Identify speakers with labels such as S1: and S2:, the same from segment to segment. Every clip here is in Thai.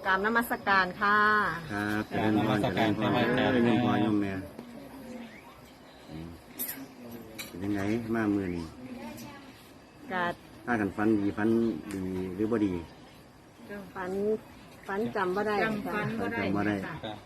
S1: กราบนมัสการค่ะ
S2: ครับเจริญพรเจริญพรเจริญพรโยมแม่เป็นยังไงมามือนี่
S1: กา
S2: ถ้ากันฟันดีหรือบ่ดี
S1: ฝันจำบ่ได้
S2: จำบ่ได้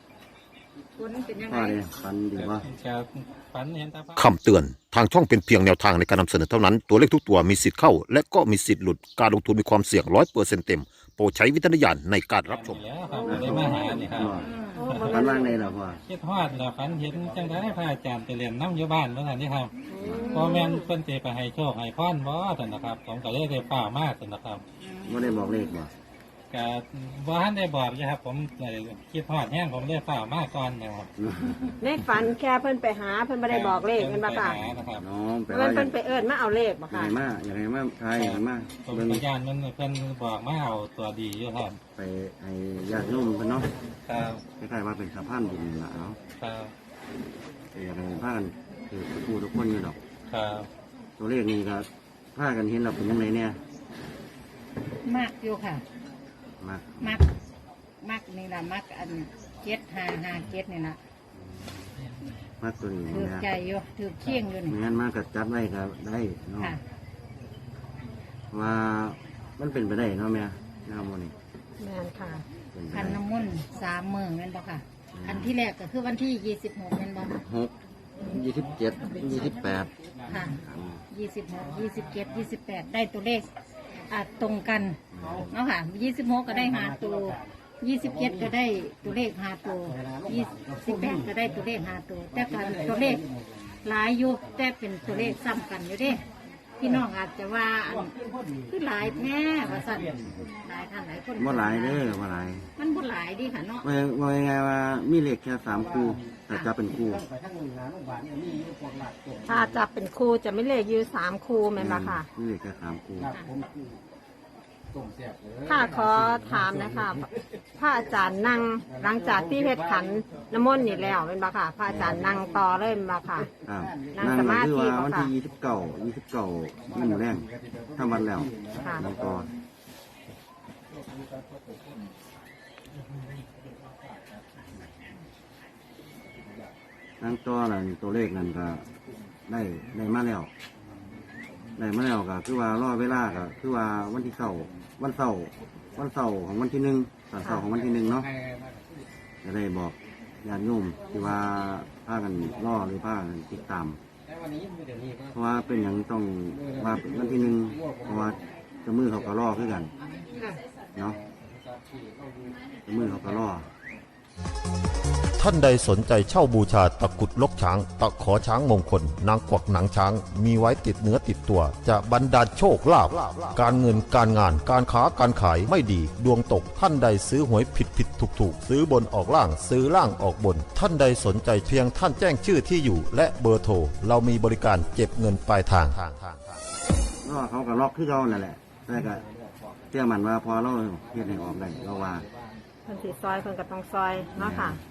S2: พ่อเนี่ยฟันดีบ่
S3: คำเตือนทางช่องเป็นเพียงแนวทางในการนำเสนอเท่านั้นตัวเลขทุกตัวมีสิทธิ์เข้าและก็มีสิทธิ์หลุดการลงทุนมีความเสี่ยง 100% เต็มโปรดใช้วิจารณญาณในการรับชม
S4: แล้วครับได้มาหานี่ครับ
S2: ฟันว่างในเหรอพ่อ
S4: คิดฮอดแล้วฝันเห็นจังได้พระอาจารย์ไปเรียนน้ำอยู่บ้านเมื่อไหร่นี่ครับพ่อแม่นเพิ่นสิไปให้โชคให้พรบ่ซั่นนะครับผมก็เลยได้ฟ้ามากซั่นนะครับ
S2: บ่ได้บอกเลขบ่
S4: ก็บ่ทันได้บอกเลยครับผมคิดฮอดแห้งผมเลยฟ้ามากก่อนนะครับ
S1: ในฝันแค่เพิ่นไปหาเพิ่นไม่ได้บอกเลขเพิ่นบ่ค่ะ
S2: น้องแปล
S1: ว่าเพิ่นไปเอิ้นมาเอาเลขบ่ค่ะ
S2: อย่างไรมาทายอย่างไรมา
S4: ผมพยานมันเพิ่นบอกมาเอาตัวดีอยู่ครับ
S2: ไปให้ญาติโยมเพิ่นเนาะ
S4: ครับ
S2: คล้ายๆว่าเป็นสะพานบุญล่ะเนาะ
S4: ครับ
S2: อย่างไรพากันคือผู้ทุกคนอยู่ดอก
S4: ครับ
S2: ตัวเลขนี้ก็พากันเห็นเราเป็นยังไงเนี่ย
S5: มากอยู่ค่ะมักนี่ละมักอัน7-5-5-7นี่ละ
S2: มักตัวนี้
S5: ถือใจอยู่ถือเคียงอยู่นี่
S2: งั้นมากกับจัดไว้ก็ได้เนาะว่ามันเป็นไปได้เนาะแม่น้ำมันนี่
S1: แม่นค่ะ
S5: พันน้ำมนต์3 มื้อแม่นบ่ค่ะอันที่แรกก็คือวันที่26แม่นบ่
S2: 27 28
S5: ค่ะ26 27 28ได้ตัวเลขตรงกันเนาะค่ะ26ก็ได้5ตัว27ก็ได้ตัวเลข5ตัว28ก็ได้ตัวเลข5ตัวแต่การตัวเลขหลายอยู่แต่เป็นตัวเลขซ้ำกันอยู่เด้พี่น้องอาจจะว่าคือหลายแม่ว่าสั่นหลายท่านหลายคน
S2: บ่หลายเด้อบ่หลาย
S5: มันบ่หลายดิค่ะเนาะ
S2: ว่าไงว่ามีเลขแค่3คู่แต่จะเป็นคู่
S1: ถ้าจับเป็นคู่จะไม่เลขอยู่3คู่แม่นบ่ค่ะ
S2: มีเลขแค่3คู่
S1: ค่ะขอถามนะคะพระอาจารย์นั่งหลังจากที่เพชรขันน้ำมนต์นี่แล้วเป็นบ่ค่ะพระอาจารย์นั่งต่อเลยเป็นบ่ค่ะ
S2: นั่งสมาธิวันที่29นั่นแรงทำวันแล้วนั่งต่อนั่งต่อแล้วตัวเลขนั่นก็ได้มาแล้วก็คือว่ารอเวลาก็คือว่าวันที่วันเสาร์ของวันที่1ตอนเสาร์ของวันที่1เนาะจะได้บอกญาติโยมที่ว่าพากันรอหรือพากันติดตามเพราะว่าเป็นอย่างต้องว่าวันที่1เพราะว่าจะมือเขาก็รอคือกันเนาะจะมือเขาก็รอ
S3: ท่านใดสนใจเช่าบูชาตะกุดลกช้างตะขอช้างมงคลนางกวักหนังช้างมีไว้ติดเนื้อติดตัวจะบรรดาลโชคลาภการเงินการงานการค้าการขายไม่ดีดวงตกท่านใดซื้อหวยผิดถูกซื้อบนออกล่างซื้อล่างออกบนท่านใดสนใจเพียงท่านแจ้งชื่อที่อยู่และเบอร์โทรเรามีบริการเก็บเงินปลายทาง
S2: เขาก็ล็อกคือเรานั่นแหละแต่ก็เชื่อมันว่าพอเราเฮ็ดให้ออกได้เราว่า
S1: เพิ่นสิซอยเพิ่นก็ต้องซอยเนาะค่ะ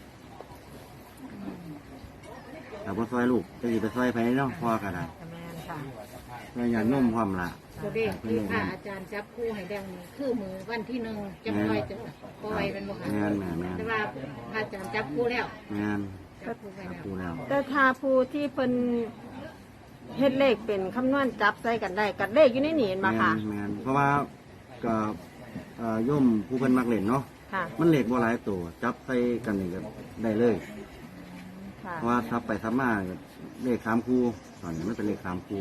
S2: แต่พอซอยลูกจะอยู่ไปซอยไปเนาะพ่อก็ได้
S1: แม่นค่ะ
S2: แม่อย่านุ่มความละ
S5: ตัวเลขที่พระอาจารย์จับคู่ให้แดงคือมือวันที่1จะปล่อยเป็นบ่ค่ะแต่ว่าพระอาจารย์จับคู่แล้ว
S2: แม่นจับคู่แล้ว
S1: แต่ถ้าผู้ที่เพิ่นเฮ็ดเลขเป็นคำนวณจับใส่กันได้กับเลขอยู่ในนี่เห็นบ่ค่ะ
S2: แม่นเพราะว่าก็โยมผู้เพิ่นมักเล่นเนาะมันเลขบ่หลายตัวจับใส่กันนี่ก็ได้เลยเพราะว่าทับไปทับมาเลข3คู่ตอนนี้ไม่เป็นเลข3คู่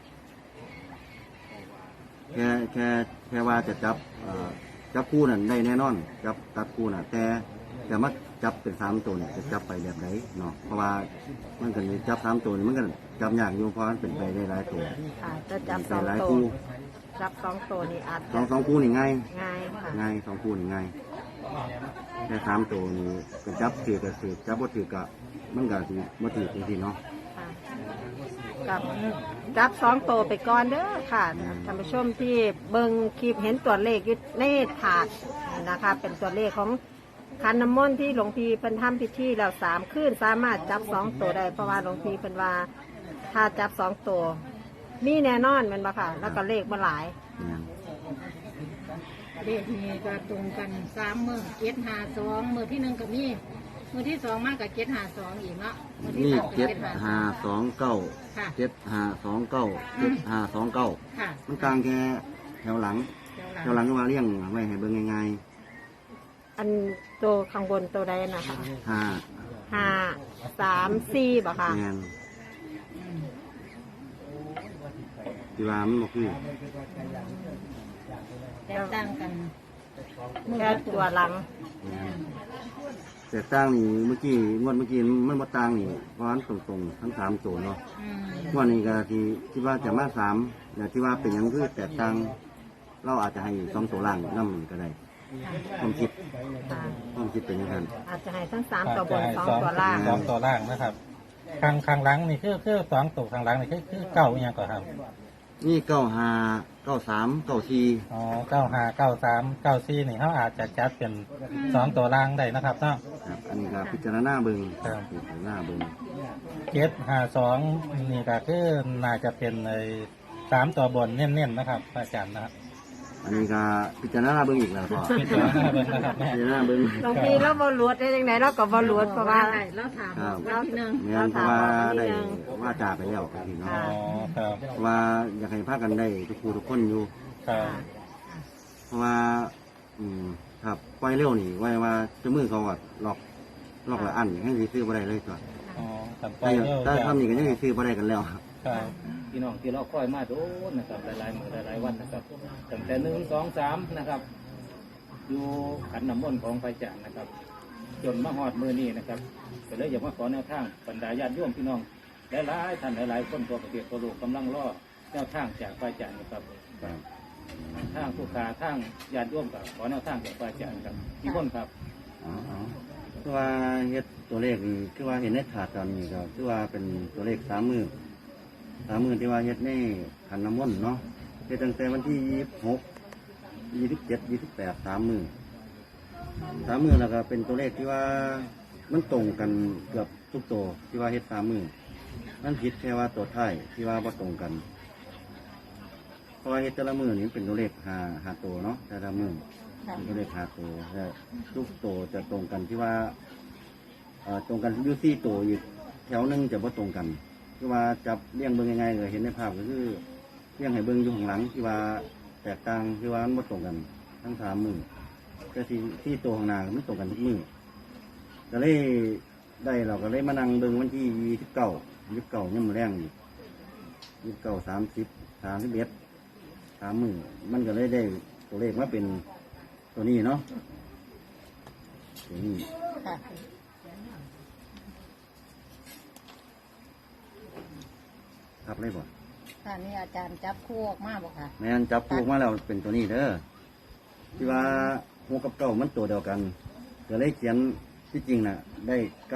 S2: แค่ว่าจะจับคู่นั่นได้แน่นอนจับตัดคู่น่ะแต่มาจับเป็น3ตัวเนี่ยจะจับไปแบบไหนเนาะเพราะว่ามันก็จับ3ตัวนี่มันก็จับยากอยู่เพราะมันเป็นไปได้หลายตัว
S1: จะจับ2ตัวจับ2ตัวนี่อาจ
S2: สองคู่นี่ง่าย
S1: 2
S2: คู่นี่ง่ายแค่3ตัวนี่ก็จับถือกับถือจับบ่ถือกับมันก็สิบ่ถือจริงๆเนาะ
S1: กับจับ2ตัวไปก่อนเด้อค่ะท่านผู้ชมที่เบิ่งคลิปเห็นตัวเลขอยู่ในถาดนะคะเป็นตัวเลขของขันน้ำมนต์ที่หลวงพี่เพิ่นทำพิธีแล้ว3คืนสามารถจับ2ตัวได้เพราะว่าหลวงพี่เพิ่นว่าถ้าจับ2ตัวมีแน่นอนแม่นบ่ค่ะแล้วก็เลขบ่หลาย
S5: เลขนี้ก็ตรงกัน3 มื้อ752มื้อที่1ก็มีมื้อที่2มาก็752อีกเนาะมื้อที่
S2: นี่
S5: 3ก็
S2: เจ็ด
S5: 752
S2: ห้าสองเก้า
S5: ค่ะ
S2: เจ็ดห้าสองเก้าเจ็ดห้าสองเก้า
S5: ค่ะ
S2: มันกลางแค่แถวหลัง แถวหลังก็ว่าเลี้ยงไว้ให้เบิ่งง่าย
S1: อันตัวข้างบนตัวใดนะคะ
S2: ๆห้า
S1: 5 3 4บ่ค่ะ
S2: แมนที่ว่ามันบ่คือ
S5: แตกต่างกันมื้อ
S1: แค่
S5: ละ
S1: ตัวหลัง
S2: แมนแต่ต่างนี่เมื่อกี้งวดเมื่อกี้มันบ่ต่างนี่เพราะมันตรงๆทั้ง3ตัวเนาะ
S5: อืม
S2: งวดนี้ก็ที่คิดว่าจะมา3แต่ที่ว่าเป็นหยังคือแตกต่างเราอาจจะให้2ตัวล่างนำก็ได้ความคิด
S1: ค่ะ
S2: ความคิดเป็นอย่างนั้น
S1: อาจจะให้ทั้ง3ตัวบน2ตัวล่าง
S4: สองตัวล่างนะครับข้างหลังนี่คือสองตัวข้างหลังนี่คือเก้าอหยังก่อนครับ
S2: นี่95 93 94
S4: อ๋อ95 93 94นี่เขาอาจจะจัดเป็นสองตัวล่างได้นะครับเนาะ
S2: ครับอันนี้ก็พิจารณาเบิ่ง
S4: ครับ
S2: พิจารณาเบิ่ง
S4: 752นี่ก็คือน่าจะเป็นไอ้3ตัวบนเน้นๆนะครับอาจารย์นะครับ
S2: อันนี้ก็พิจารณาเบิ่งอีกแล้วก็
S4: พิจารณาเบิ่งนะครับแม่
S2: พิจารณาเบิ่ง
S1: บางทีเราบอลวดได้ยังไงเราก็บอลวดเพราะว่า
S5: ได้แล้วถาม
S2: ครับ
S5: วันที่หนึ่ง
S2: แม่นเพราะว่าได้ว่าจาไปแล้วพี่น้อง
S4: อ๋อครับ
S2: เพราะว่าอยากให้พากันได้ทุกผู้ทุกคนอยู่
S4: ครับ
S2: เพราะว่า ครับปล่อยเร็วนี่ไว้ว่าเจะมือเขาก็ล็อกละอันให้สิซื้อบ่ได้เลยตัว
S4: อ๋อครับไป
S2: ถ้า
S4: เร็ว
S2: ถ้าทำนี่ก็ยังสิซื้อบ่ได้กันแล้ว
S4: ครับ
S6: พี่น้องที่เราคอยมาโดนนะครับหลายๆมื้อหลายๆวันนะครับตั้งแต่1 2 3นะครับ อยู่ขันน้ำมนต์ของพระอาจารย์นะครับ จนมาฮอดมือนี้นะครับก็เลยอยากมาขอแนวทางบรรดาญาติโยมพี่น้องหลายๆท่านหลายๆคนทั่วประเทศทั่วโลกกำลังรอแนวทางจากพระอาจารย์นะครับทางผู้ค้าทางญาติโยมกับขอแนวทางจากพระอาจารย์ครับพี่คนครับ
S2: อ๋อคือว่าเฮ็ดตัวเลขนี่คือว่าเห็นในถาดตอนนี้ก็คือว่าเป็นตัวเลข30,000ที่ว่าเฮ็ดในขันน้ำมนต์เนาะเฮ็ดตั้งแต่วันที่26 27 28 30,000แล้วก็เป็นตัวเลขที่ว่ามันตรงกันเกือบทุกตัวที่ว่าเฮ็ด30,000มันผิดแค่ว่าตัวท้ายที่ว่าบ่ตรงกัน เพราะว่าเฮ็ดแต่ละมือนี่เป็นตัวเลขหาตัวเนาะแต่ละมือเป็นตัวเลขหาตัวแต่ทุกตัวจะตรงกันที่ว่าตรงกันอยู่4ตัวอีกแถวหนึงจะบ่ตรงกันคือว่าจับเลี้ยงเบิ่งยังไงก็เห็นในภาพก็คือเลี้ยงให้เบิ่งอยู่ข้างหลังที่ว่าแตกต่างที่ว่ามันบ่ตรงกันทั้ง3มือแต่ที่ตัวข้างหน้ามันตรงกันทุกมือก็เลยได้เราก็เลยมานั่งเบิ่งวันที่29ยังมื้อแรงอยู่29 30 31 3มือมันก็เลยได้ตัวเลขมาเป็นตัวนี้เนาะตัวนี้
S5: ค่ะ
S2: ครับเลยบ่
S5: ค่ะนี่อาจารย์จับคู่ออกมาบอกค่ะ
S2: แม่นจับผูกมาแล้วเป็นตัวนี้เด้อที่ว่าหัวกับเก้ามันตัวเดียวกันก็เลยเขียนที่จริงน่ะ ได้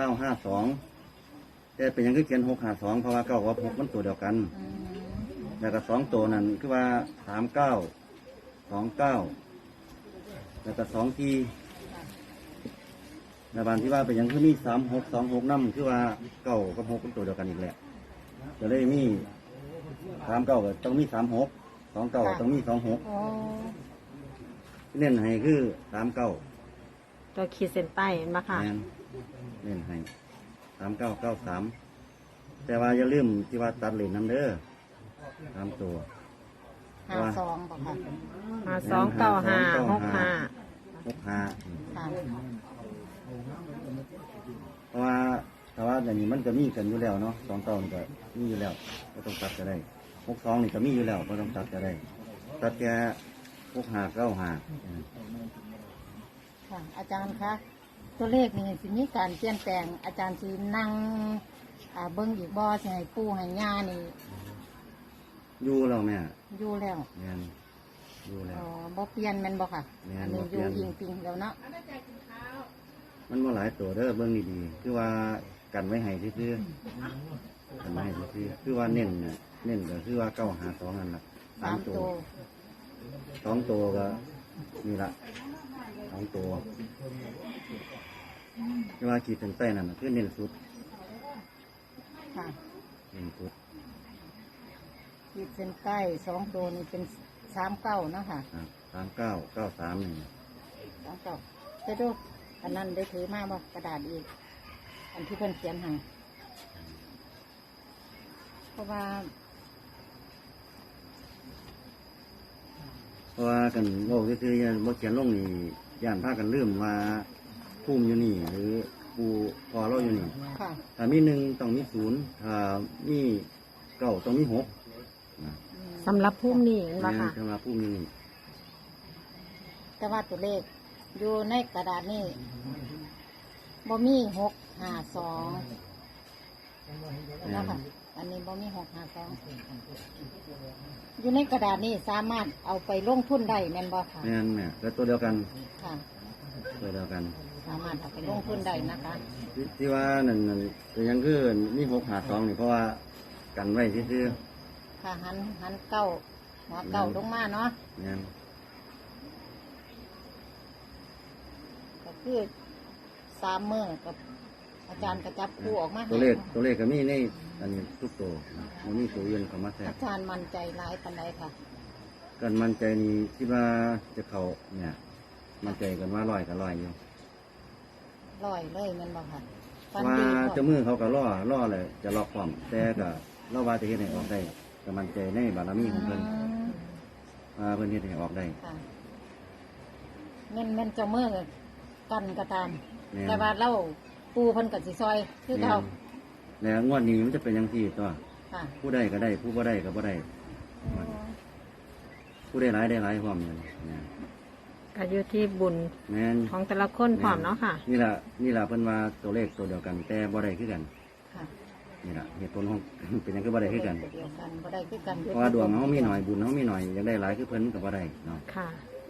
S2: 952แต่เป็นหยังคือเขียน652เพราะว่าเก้ากับ6มันตัวเดียวกัน
S5: อืม
S2: แล้วก็2ตัวนั้นคือว่า39 29แล้วก็2ทีในบานที่ว่าเป็นหยังคือมี3626นำคือว่าเก้ากับ6เป็นตัวเดียวกันอีกแหละก็เลยมี39ก็ต้องมี36 29ก็ต้องมี26
S5: โอ้
S2: เน้นให้คือ39
S1: ตัวขีดเส้นใต้เห็นไหมค่ะ
S2: แม่นเน้นให้3993แต่ว่าอย่าลืมที่ว่าตัดเลนน้ำเด้อ3ตัว
S5: 52บอกค่ะ
S1: 529565
S2: 65
S5: ค่ะ
S2: เพราะว่าแต่ว่าอย่างนี้มันก็มีกันอยู่แล้วเนาะ2ตัวนี่ก็มีอยู่แล้วก็ต้องตัดก็ได้62นี่ก็มีอยู่แล้วก็ต้องตัดก็ได้ตัดแค่6595
S5: ค่ะ อาจารย์คะตัวเลขนี่สิมีการเปลี่ยนแปลง อาจารย์สินั่งเบิ้งอีกบ่สิให้ปู่ให้ย่านี่
S2: อยู่แล้วแม่
S5: อยู่แล้ว
S2: แม่นอยู่แล้ว
S5: บ่เปลี่ยนแม่นบ่ค่ะ
S2: แม่น
S5: อันนี้
S2: บ่
S5: อ
S2: เปลี่
S5: ยู่
S2: ยน
S5: อิงปิงแล้วเนาะ
S2: มันว่าหลายตัวเด้อเบิ่งดีๆคือว่ากันไว้ให้ซื่อๆกันไว้ให้ซื่อๆคือว่าเน้นน่ะเน้นก็คือว่า952นั่นล่ะ
S5: สาม
S2: 3
S5: ตั
S2: ตัว ว2ตัวก็นี่ละ2ตัวคือว่าขีดเส้นใต้นั่นน่ะคือเน้นสุด
S5: ค่ะ
S2: เน้นสุด
S5: ขีดเส้นใต้2ตัวนี่เป็น39เนาะค่ะ
S2: ครับ 3993นี่
S5: เอาเก่าไปดูอันนั้นได้ถือมาบ่กระดาษอีก อันที่เพิ่นเขียนให้เพราะว่า
S2: เพราะว่ากันโลกก็คือบ่เขียนลงนี่ย่านพากันลืมว่าภูมิอยู่นี่หรือปูพอเราอยู่นี่
S5: ค่ะ
S2: ถ้ามี1ต้องมี0ถ้ามี9ต้องมี6นะ
S1: สำหรับพุ่มนี่เนาะค่ะ
S2: สำหรับภูมิอยู่นี่
S5: แต่ว่าตัวเลขอยู่ในกระดาษนี่บ่มี652นะคะอันนี้บ่มี652อยู่ในกระดาษนี่สามารถเอาไปลงทุนได้แม่นบ่ค่ะ
S2: แม่นเนี่ยก็ตัวเดียวกัน
S5: ค่ะ
S2: ตัวเดียวกัน
S5: สามารถเอาไปลงทุนได้นะคะ
S2: ที่ว่านั่นแต่ยังคือมี652นี่เพราะว่ากันไว้ซื่อ
S5: ค่ะหันเก้าหัวเก้าลงมาเนาะ
S2: ๆแม่น
S5: ก็คือ3มื้อกับอาจารย์กระจับคู่ออกมาให้
S2: ตัวเลขก็มีในอันนี้ทุกตัวมันมีตัวอื่นเข้ามาแทรก
S5: อาจารย์มั่นใจหลายปานใดค่ะ
S2: กันมั่นใจนี่คิดว่าจะเข้าเนี่ยมั่นใจกันว่า100กับ100อยู่
S5: ร้อยเลยแม่นบ่ค่ะ
S2: เพ
S5: ฟัน
S2: ราะว่า
S5: ดี
S2: เจะมือเขาก็ล่อเลยจะล็อกความแต่ก็เราว่าจะเฮ็ดให้ออกได้ก็มั่นใจในบารมีของเพิ่นว่าเพิ่นเฮ็ดให้ออกได้
S5: ค่ะแม่นเจ้ามือกันก็ตาม
S2: แม่น
S5: แต่ว่าเราปูเพิ่นก็สิซอยคือเขา
S2: แล้วงวดนี้มันจะเป็นอย่างที่ตัว
S5: ค่ะ
S2: ผู้ได้ก็ได้ผู้บ่ได้ก็บ่ได้ผู้ได้หลายได้หลายความเลยนะ
S1: ก็อยู่ที่บุญ
S2: แม่น
S1: ของแต่ละคนพร้อมเนาะค่ะ
S2: นี่ล่ะเพิ่นว่าตัวเลขตัวเดียวกันแต่บ่ได้คือกัน
S5: ค่ะ
S2: นี่ล่ะเหตุผลของ เป็นหยังคือบ่ได้คือกัน
S5: เดียวกันบ่ได้คือกัน
S2: เพราะว่าดวงเฮามีหน่อยบุญเฮามีหน่อยอยากได้หลายคือเพิ่นก็บ่ได้เนาะ
S1: ค่ะ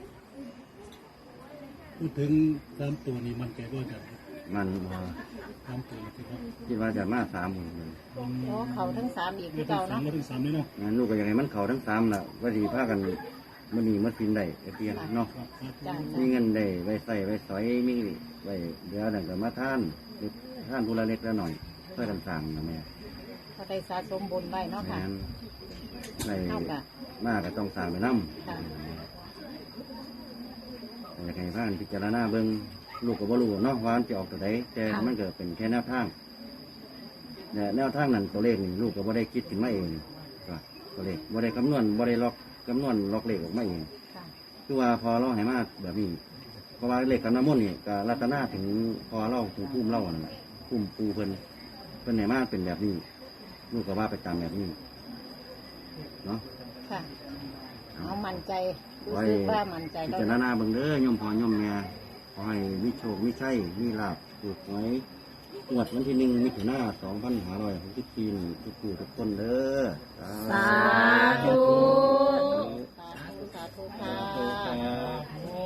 S7: พูดถึงตามตัวนี้มันใจว่าจะ
S2: มัน
S7: ตามตัวที่เขา
S2: คิดว่าจะมา3หมื่น
S5: โอ้เขาทั้งสามอีกคือเก่า
S7: สาม
S5: เนาะ
S7: มาถึงสามเลยเนาะ
S2: งั้นลูกก็อยากให้มันเข้าทั้ง3ล่ะว่าสิพากันมื้อนี้มากินได้เพียงเนาะ
S7: ครับ
S5: จ้า
S2: มีเงินได้ไว้ใส่ไว้สอยมีไว้เดี๋ยวนั่นก็มาทานผู้ละเล็กละหน่อยเพื่อกันสร้างนะแม่
S5: เขาได้สะสมบุญไว้เนาะค่ะ
S2: งั้นใน
S5: เท่ากับ
S2: มาก็ต้องสร้างไปน้
S5: ค่ะ
S2: ำอยากให้พานพิจารณาเบิ่งลูกก็บ่รู้เนาะว่ามันจะออกตัวใดแต่
S1: ค่ะ
S2: มันก็เป็นแค่แนวทางแต่แนวทางนั้นตัวเลขนี่ลูกก็บ่ได้คิดขึ้นมาเองก็ตัวเลขบ่ได้คำนวณบ่ได้ล็อกคำนวณล็อกเลขออกมาเอง
S5: ค่ะ
S2: คือว่าพอเราให้มาแบบนี้เพราะว่าเลขกันน้ำมนต์นี่ก็รัตนาถึงพอเราถึงพุ่มเล่านั่นแหละพุ่มปูเพิ่นให้มาเป็นแบบนี้ ลูกก็ว่าไปตามแบบนี้เนาะ
S5: ค่ะเอามั่นใจรู้
S2: ไว้
S5: สึกว่ามั่นใจ
S2: พิ
S5: แล้ว
S2: จารณาเบิ่งเด้อย่อมพอย่อมแม่ขอให้มีโชคมีชัยมีลาภถูกหวยงวดวันที่1 มิถุนายน 2564นี่ทุกผู้ทุกคนเด้อ
S1: สาธุ
S5: สาธุสาธุค่ะ
S6: ครับ